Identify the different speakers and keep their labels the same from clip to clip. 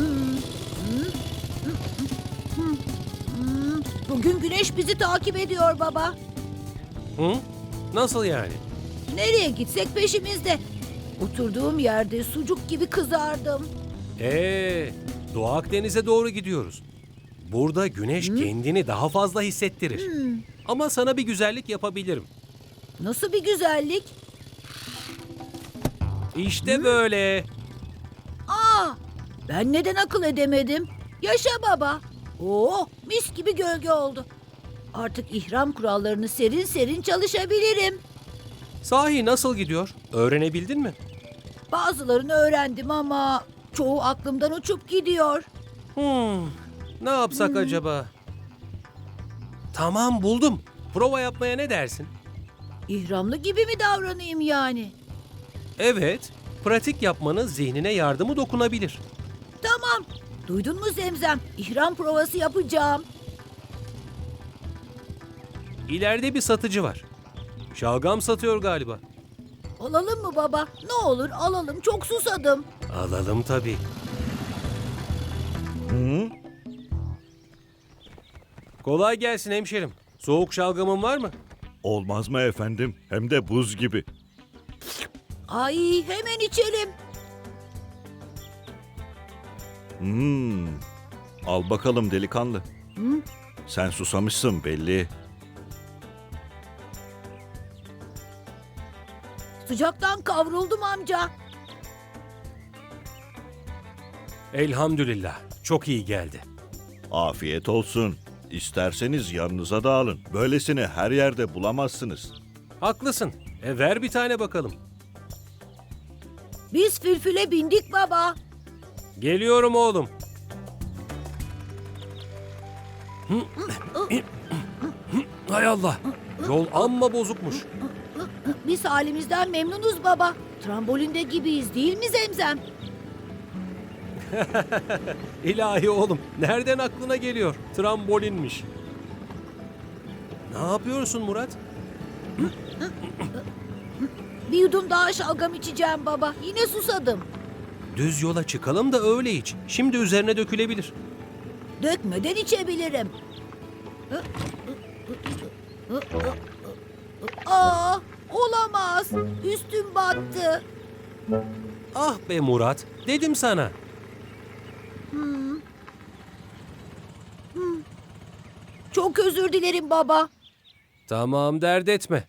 Speaker 1: Bugün güneş bizi takip ediyor baba.
Speaker 2: Hı? Nasıl yani?
Speaker 1: Nereye gitsek peşimizde. Oturduğum yerde sucuk gibi kızardım.
Speaker 2: Doğu Akdeniz'e doğru gidiyoruz. Burada güneş kendini daha fazla hissettirir. Ama sana bir güzellik yapabilirim.
Speaker 1: Nasıl bir güzellik?
Speaker 2: İşte böyle.
Speaker 1: Aa, ben neden akıl edemedim? Yaşa baba. Oo, mis gibi gölge oldu. Artık ihram kurallarını serin serin çalışabilirim.
Speaker 2: Sahi nasıl gidiyor? Öğrenebildin mi?
Speaker 1: Bazılarını öğrendim ama çoğu aklımdan uçup gidiyor.
Speaker 2: Ne yapsak acaba? Tamam buldum. Prova yapmaya ne dersin?
Speaker 1: İhramlı gibi mi davranayım yani?
Speaker 2: Evet, pratik yapmanın zihnine yardımı dokunabilir.
Speaker 1: Tamam. Duydun mu Zemzem? İhram provası yapacağım.
Speaker 2: İleride bir satıcı var. Şalgam satıyor galiba.
Speaker 1: Alalım mı baba? Ne olur alalım. Çok susadım.
Speaker 2: Alalım tabii. Kolay gelsin hemşerim. Soğuk şalgamın var mı?
Speaker 3: Olmaz mı efendim? Hem de buz gibi.
Speaker 1: Ay hemen içelim.
Speaker 3: Al bakalım delikanlı. Sen susamışsın belli.
Speaker 1: Sıcaktan kavruldum amca.
Speaker 2: Elhamdülillah. Çok iyi geldi.
Speaker 3: Afiyet olsun. İsterseniz yanınıza da alın. Böylesini her yerde bulamazsınız.
Speaker 2: Haklısın. Ver bir tane bakalım.
Speaker 1: Biz fülfüle bindik baba.
Speaker 2: Geliyorum oğlum. Hay Allah. Yol amma bozukmuş.
Speaker 1: Biz halimizden memnunuz baba. Trambolinde gibiyiz değil mi Zemzem?
Speaker 2: İlahi oğlum. Nereden aklına geliyor? Trambolinmiş. Ne yapıyorsun Murat?
Speaker 1: Bir yudum daha şalgam içeceğim baba. Yine susadım.
Speaker 2: Düz yola çıkalım da öyle iç. Şimdi üzerine dökülebilir.
Speaker 1: Dökmeden içebilirim. Aa, olamaz. Üstüm battı.
Speaker 2: Ah be Murat. Dedim sana.
Speaker 1: Çok özür dilerim baba.
Speaker 2: Tamam dert etme.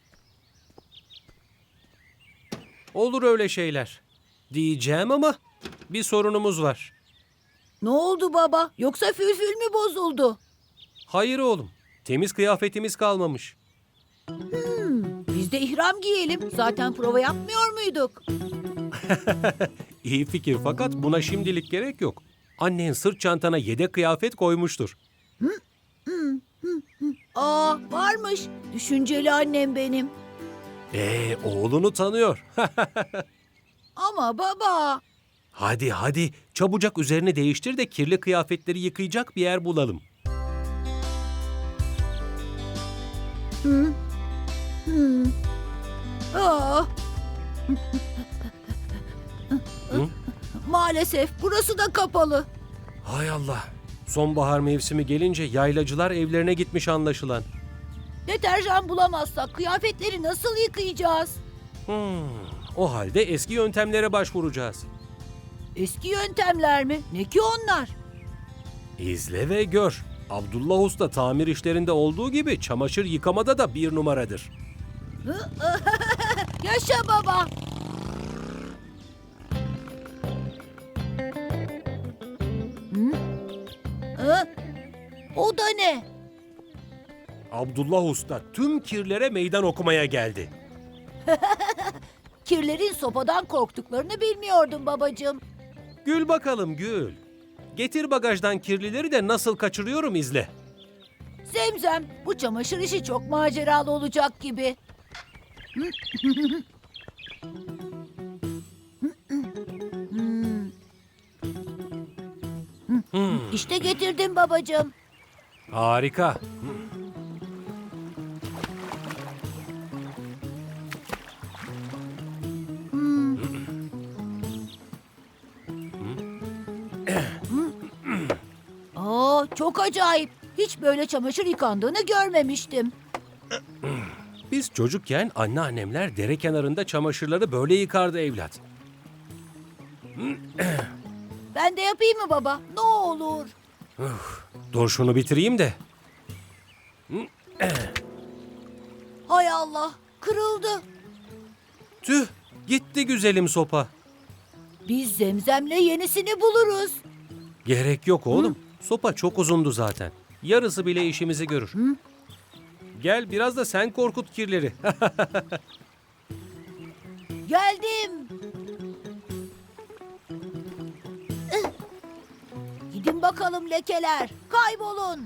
Speaker 2: Olur öyle şeyler. Diyeceğim ama bir sorunumuz var.
Speaker 1: Ne oldu baba? Yoksa fülfül mü bozuldu?
Speaker 2: Hayır oğlum. Temiz kıyafetimiz kalmamış.
Speaker 1: Biz de ihram giyelim. Zaten prova yapmıyor muyduk?
Speaker 2: İyi fikir fakat buna şimdilik gerek yok. Annen sırt çantana yedek kıyafet koymuştur.
Speaker 1: Aa, varmış. Düşünceli annem benim.
Speaker 2: Oğlunu tanıyor.
Speaker 1: Ama baba.
Speaker 2: Hadi hadi çabucak üzerini değiştir de kirli kıyafetleri yıkayacak bir yer bulalım.
Speaker 1: Aa. Maalesef burası da kapalı.
Speaker 2: Hay Allah. Sonbahar mevsimi gelince yaylacılar evlerine gitmiş anlaşılan.
Speaker 1: Deterjan bulamazsak kıyafetleri nasıl yıkayacağız?
Speaker 2: O halde eski yöntemlere başvuracağız.
Speaker 1: Eski yöntemler mi? Ne ki onlar?
Speaker 2: İzle ve gör. Abdullah Usta tamir işlerinde olduğu gibi çamaşır yıkamada da bir numaradır.
Speaker 1: Yaşa baba. O da ne?
Speaker 2: Abdullah Usta tüm kirlere meydan okumaya geldi.
Speaker 1: Kirlerin sopadan korktuklarını bilmiyordum babacığım.
Speaker 2: Gül bakalım gül. Getir bagajdan kirlileri de nasıl kaçırıyorum izle.
Speaker 1: Zemzem, bu çamaşır işi çok maceralı olacak gibi. İşte getirdim babacığım.
Speaker 2: Harika.
Speaker 1: Çok acayip. Hiç böyle çamaşır yıkandığını görmemiştim.
Speaker 2: Biz çocukken anneannemler dere kenarında çamaşırları böyle yıkardı evlat.
Speaker 1: Ben de yapayım mı baba? Ne olur.
Speaker 2: Dur şunu bitireyim de.
Speaker 1: Hay Allah, kırıldı.
Speaker 2: Tüh, gitti güzelim sopa.
Speaker 1: Biz Zemzem'le yenisini buluruz.
Speaker 2: Gerek yok oğlum. Sopa çok uzundu zaten. Yarısı bile işimizi görür. Gel biraz da sen korkut kirleri.
Speaker 1: Geldim. Gidin bakalım lekeler. Kaybolun.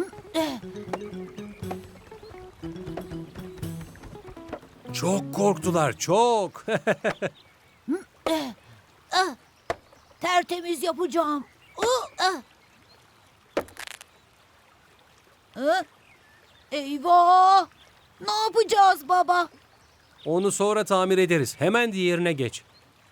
Speaker 2: Çok korktular, çok.
Speaker 1: Tertemiz yapacağım. Eyvah! Ne yapacağız baba?
Speaker 2: Onu sonra tamir ederiz. Hemen diğerine geç.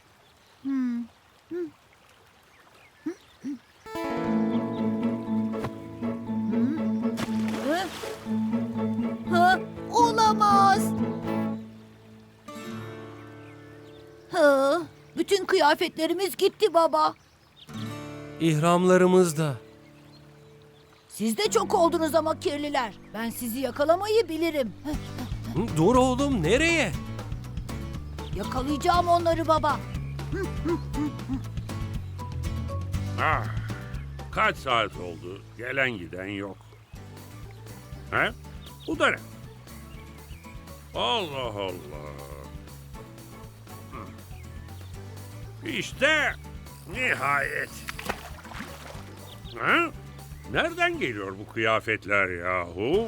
Speaker 1: Olamaz. Bütün kıyafetlerimiz gitti baba.
Speaker 2: İhramlarımız da.
Speaker 1: Siz de çok oldunuz ama kirliler. Ben sizi yakalamayı bilirim.
Speaker 2: Dur oğlum, nereye?
Speaker 1: Yakalayacağım onları baba.
Speaker 4: Ah, kaç saat oldu? Gelen giden yok. He? Bu da ne? Allah Allah. İşte nihayet. Ha? Nereden geliyor bu kıyafetler yahu?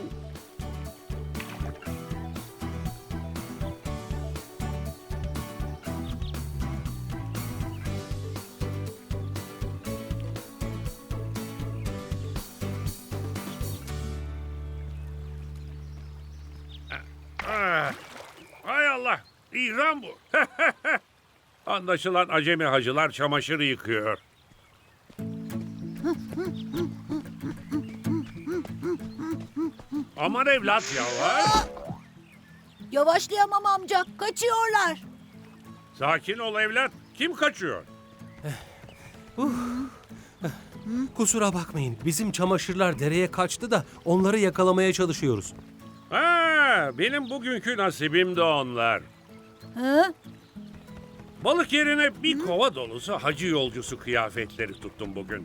Speaker 4: Ah, hay Allah, İran bu. Anlaşılan acemi hacılar çamaşır yıkıyor. Aman evlat yavaş.
Speaker 1: Yavaşlayamam amca. Kaçıyorlar.
Speaker 4: Sakin ol evlat. Kim kaçıyor?
Speaker 2: Kusura bakmayın. Bizim çamaşırlar dereye kaçtı da onları yakalamaya çalışıyoruz.
Speaker 4: Ha, benim bugünkü nasibim de onlar.
Speaker 1: Hı?
Speaker 4: Balık yerine bir kova dolusu hacı yolcusu kıyafetleri tuttum bugün.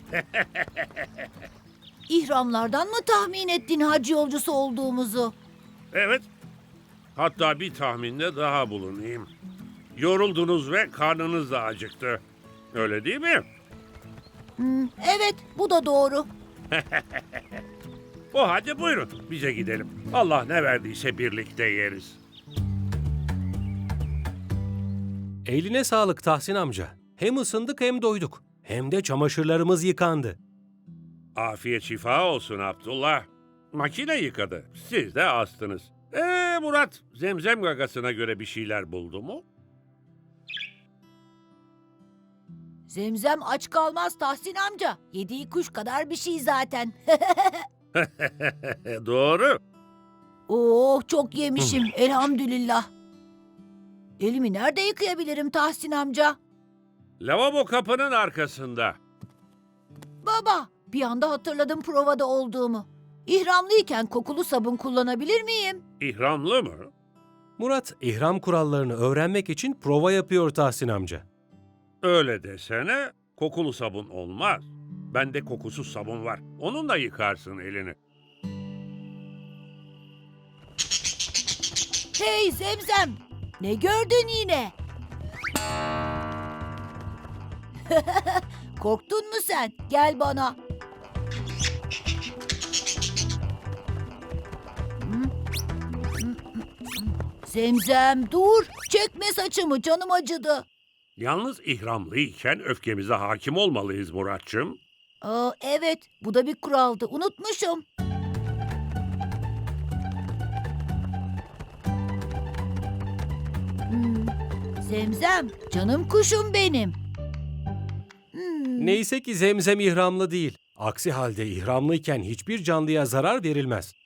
Speaker 1: İhramlardan mı tahmin ettin hacı yolcusu olduğumuzu?
Speaker 4: Evet. Hatta bir tahminde daha bulunayım. Yoruldunuz ve karnınız da acıktı. Öyle değil mi?
Speaker 1: Evet, bu da doğru.
Speaker 4: O hadi buyurun bize gidelim. Allah ne verdiyse birlikte yeriz.
Speaker 2: Eline sağlık Tahsin amca. Hem ısındık hem doyduk. Hem de çamaşırlarımız yıkandı.
Speaker 4: Afiyet şifa olsun Abdullah. Makine yıkadı. Siz de astınız. Murat, zemzem gagasına göre bir şeyler buldu mu?
Speaker 1: Zemzem aç kalmaz Tahsin amca. Yediği kuş kadar bir şey zaten.
Speaker 4: Doğru.
Speaker 1: Oh, çok yemişim elhamdülillah. Elimi nerede yıkayabilirim Tahsin amca?
Speaker 4: Lavabo kapının arkasında.
Speaker 1: Baba, bir anda hatırladım provada olduğumu. İhramlıyken kokulu sabun kullanabilir miyim?
Speaker 4: İhramlı mı?
Speaker 2: Murat, ihram kurallarını öğrenmek için prova yapıyor Tahsin amca.
Speaker 4: Öyle desene, kokulu sabun olmaz. Bende kokusuz sabun var. Onunla yıkarsın elini.
Speaker 1: Hey Zemzem, ne gördün yine? Korktun mu sen? Gel bana. Zemzem dur, çekme saçımı, canım acıdı.
Speaker 4: Yalnız ihramlıyken öfkemize hakim olmalıyız Muratçım.
Speaker 1: Evet, bu da bir kuraldı, unutmuşum. Zemzem, canım kuşum benim.
Speaker 2: Neyse ki Zemzem ihramlı değil. Aksi halde ihramlıyken hiçbir canlıya zarar verilmez.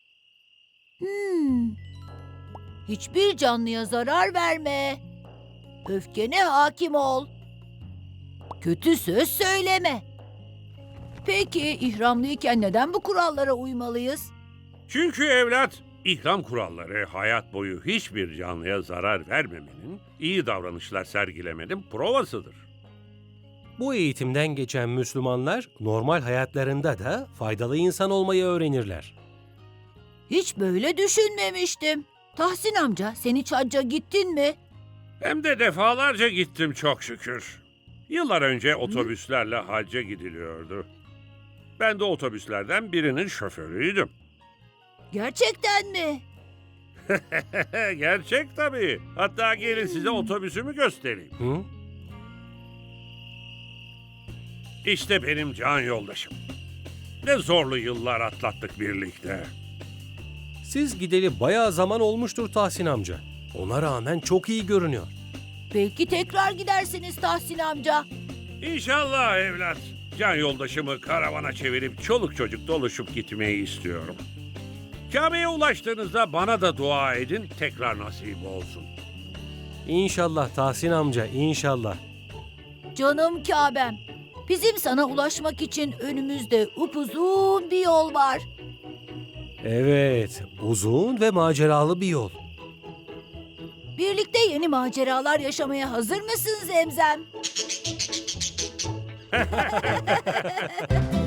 Speaker 1: Hiçbir canlıya zarar verme. Öfkene hakim ol. Kötü söz söyleme. Peki ihramlıyken neden bu kurallara uymalıyız?
Speaker 4: Çünkü evlat, ihram kuralları hayat boyu hiçbir canlıya zarar vermemenin, iyi davranışlar sergilemenin provasıdır.
Speaker 2: Bu eğitimden geçen Müslümanlar normal hayatlarında da faydalı insan olmayı öğrenirler.
Speaker 1: Hiç böyle düşünmemiştim. Tahsin amca, sen hiç hacca gittin mi?
Speaker 4: Hem de defalarca gittim çok şükür. Yıllar önce otobüslerle hacca gidiliyordu. Ben de otobüslerden birinin şoförüydüm.
Speaker 1: Gerçekten mi?
Speaker 4: Gerçek tabii. Hatta gelin size otobüsümü göstereyim.
Speaker 2: Hı?
Speaker 4: İşte benim can yoldaşım. Ne zorlu yıllar atlattık birlikte.
Speaker 2: Siz gideli bayağı zaman olmuştur Tahsin amca. Ona rağmen çok iyi görünüyor.
Speaker 1: Belki tekrar gidersiniz Tahsin amca.
Speaker 4: İnşallah evlat. Can yoldaşımı karavana çevirip çoluk çocuk doluşup gitmeyi istiyorum. Kabe'ye ulaştığınızda bana da dua edin, tekrar nasip olsun.
Speaker 2: İnşallah Tahsin amca, inşallah.
Speaker 1: Canım Kabe'm. Bizim sana ulaşmak için önümüzde upuzun bir yol var.
Speaker 2: Evet, uzun ve maceralı bir yol.
Speaker 1: Birlikte yeni maceralar yaşamaya hazır mısın Zemzem?